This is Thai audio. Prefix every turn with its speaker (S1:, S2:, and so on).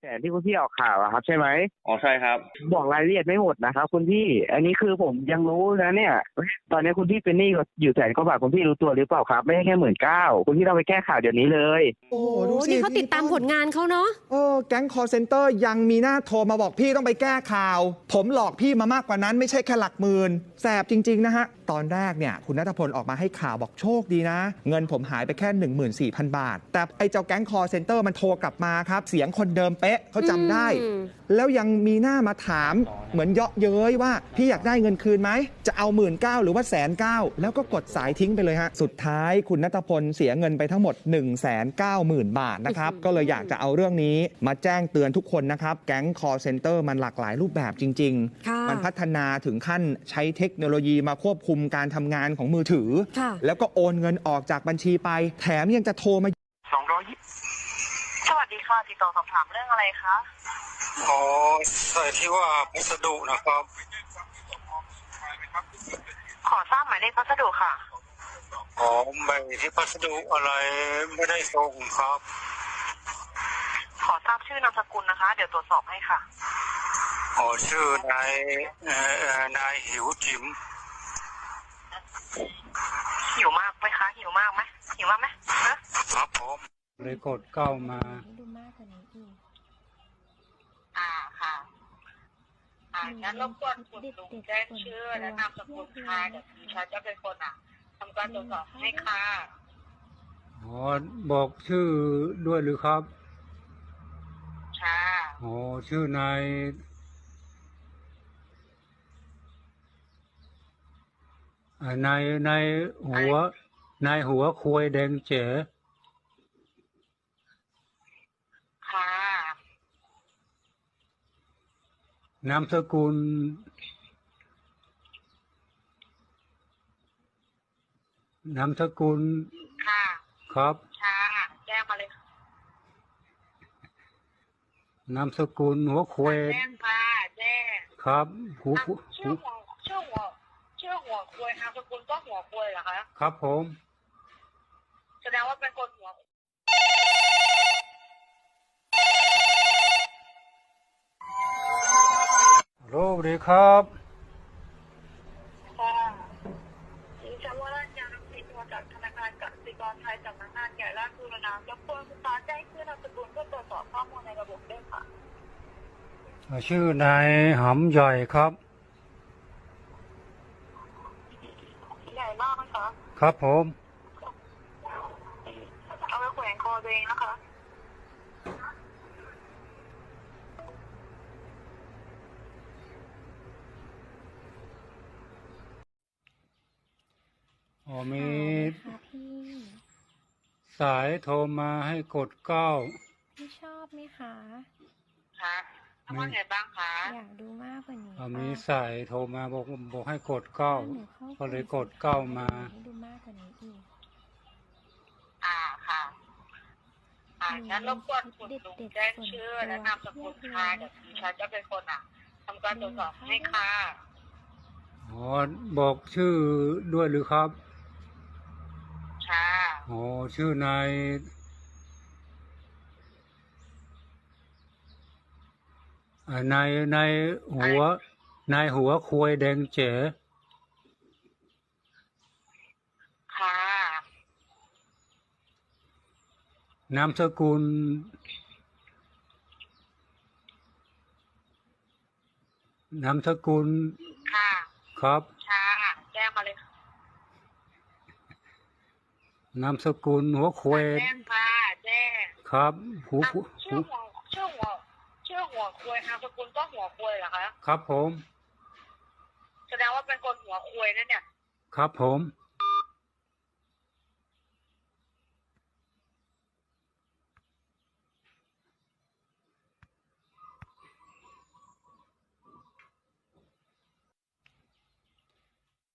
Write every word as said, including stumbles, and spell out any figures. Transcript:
S1: แต่ที่คุณพี่ออกข่าวอะครับใช่ไหม
S2: อ๋อใช่ครับ
S1: บอกรายละเอียดไม่หมดนะครับคุณพี่อันนี้คือผมยังรู้นะเนี่ยตอนนี้คุณพี่เป็นหนี้อยู่แสนกว่าบาทคุณพี่รู้ตัวหรือเปล่าครับไม่ใช่แค่หมื่นเก้าคุณพี่ต้องไปแก้ข่าวเดี๋ยวนี้เลย
S3: โอ้โห
S4: โอ้
S3: ดูสิ
S4: นี่เขาติดตามผลงานเขาเนาะ
S3: เออแก๊งคอร์เซนเตอร์ยังมีหน้าโทรมาบอกพี่ต้องไปแก้ข่าว ผมหลอกพี่มามากกว่านั้นไม่ใช่แค่หลักหมื่นแสบจริง ๆ นะฮะ ตอนแรกเนี่ยคุณณัฐพลออกมาให้ข่าวบอกโชคดีนะ เงินผมหายไปแค่ หนึ่งหมื่นสี่พัน บาท แต่ไอ้เจ้าแก๊งคอร์เซนเตอร์มันโทรกลับมาครับเสียงคนเดิมเป๊ะเขาจำได้ แล้วยังมีหน้ามาถามเหมือนเยาะเย้ยว่าพี่อยากได้เงินคืนไหมจะเอาหมื่นเก้าหรือว่าแสนเก้าแล้วก็กดสายทิ้งไปเลยฮะสุดท้ายคุณณัฐพลเสียเงินไปทั้งหมด หนึ่งแสนเก้าหมื่น บาทนะครับก็เลยอยากจะเอาเรื่องนี้มาแจ้งเตือนทุกคนนะครับแก๊งคอร์เซนเตอร์มันหลากหลายรูปแบบจริงๆมันพัฒนาถึงขั้นใช้เทคโนโลยีมาควบคุมการทำงานของมือถือแล้วก็โอนเงินออกจากบัญชีไปแถมยังจะโทรมา
S1: สองร้อย
S5: สวัสดีค่ะติดต่อสอบถามเรื่องอะไรคะ
S6: อ๋อใส่ที่ว่าพัสดุนะครับ
S5: ขอทราบหมายเลขพัสดุค่ะ
S6: อ๋อใบที่พัสดุอะไรไม่ได้ส่งครับ
S5: ขอทราบชื่อนามสกุลนะคะเดี๋ยวตรวจสอบให้ค่ะ
S6: อ๋อชื่อนายเอ่อนายหิวจิ๋ม
S5: หิวมากไหมคะหิวมากไหมหิวมากไหม
S6: ครับผม
S2: เลยกดเก้ามา
S4: ดูมากกว่านี้อีก
S5: อ่าค่ะอ่างั้นรบกวนคุณลุงแจ้งชื่อและนามสกุลค่ะเดี๋ยวดิฉันจะเป็นคนอ่ะทำการตรวจสอบให้ค่ะ
S2: อ๋อบอกชื่อด้วยหรือครับ
S5: ค่ะ
S2: อ๋อชื่อนายนายนายหัวนายหัวควยแดงเจ๋
S5: ค่ะ
S2: นามสกุลนามสกุล
S5: ค่ะ
S2: ครับ
S5: ค่ะแจ้งมาเลยค่ะ
S2: นามสกุลหัวควย
S5: แจ้งค่ะแจ้ง
S2: ครับหู
S5: ชื่อหัวชื่อหัวชื่อหัวควยนามสกุลก็หัวควยเหรอคะ
S2: ครับผม
S5: แสดงว่าเป็นคนหัว
S2: โลกดีครับ
S5: ค่ะดิฉันว่าราชการรับสิทธิ์มาจากธนาคารกสิกรไทยสำนักงานใหญ่ราชบุรณะรบกวนคุณตาแจ้งชื่อนามสกุลเพื่อตรวจสอบข้อมูลในระบบด้วยค่ะ
S2: ชื่อนายหำใหญ่ครับ
S5: ใหญ่มากไหมคะ
S2: ครับผม
S5: เอาไปแขวนคอตัวเองนะคะ
S2: อ๋อมีสายโทรมาให้กดเก้า
S4: พี่ชอบไหมคะ
S5: คะทำว่าไงบ้างคะ
S4: อยากดูมากกว่านี้
S2: มีสายโทรมาบอกบอกให้กดเก้าก็เลยกดเก้ามา
S4: ดูมากกว่านี้อีก
S5: อ่าค่ะอ่างั้นรบกวนคุณลุงแจ้งชื่อและนามสกุลค่ะเดี๋ยวดิฉันจะเป็นคนอ่ะทำการตรวจสอบให้ค่ะ
S2: อ๋อบอกชื่อด้วยหรือครับ
S5: ค่ะ
S2: อ๋อชื่อนายนายนายหัวนายหัวควยแดงเจ๋
S5: ค่ะ
S2: นามสกุลนามสกุล
S5: ค่ะ
S2: ครับ
S5: ค่ะแจ้งมาเลย
S2: นามสกุลหัวควย
S5: แจ้งค่ะแจ้ง
S2: ครับหู
S5: ชื่อหัวชื่อหัวชื่อหัวควยนามสกุลก็หัวควยเหรอคะ
S2: ครับผม
S5: แสดงว่าเป็นคนหัวควยนั่นเนี่ย
S2: ครับผม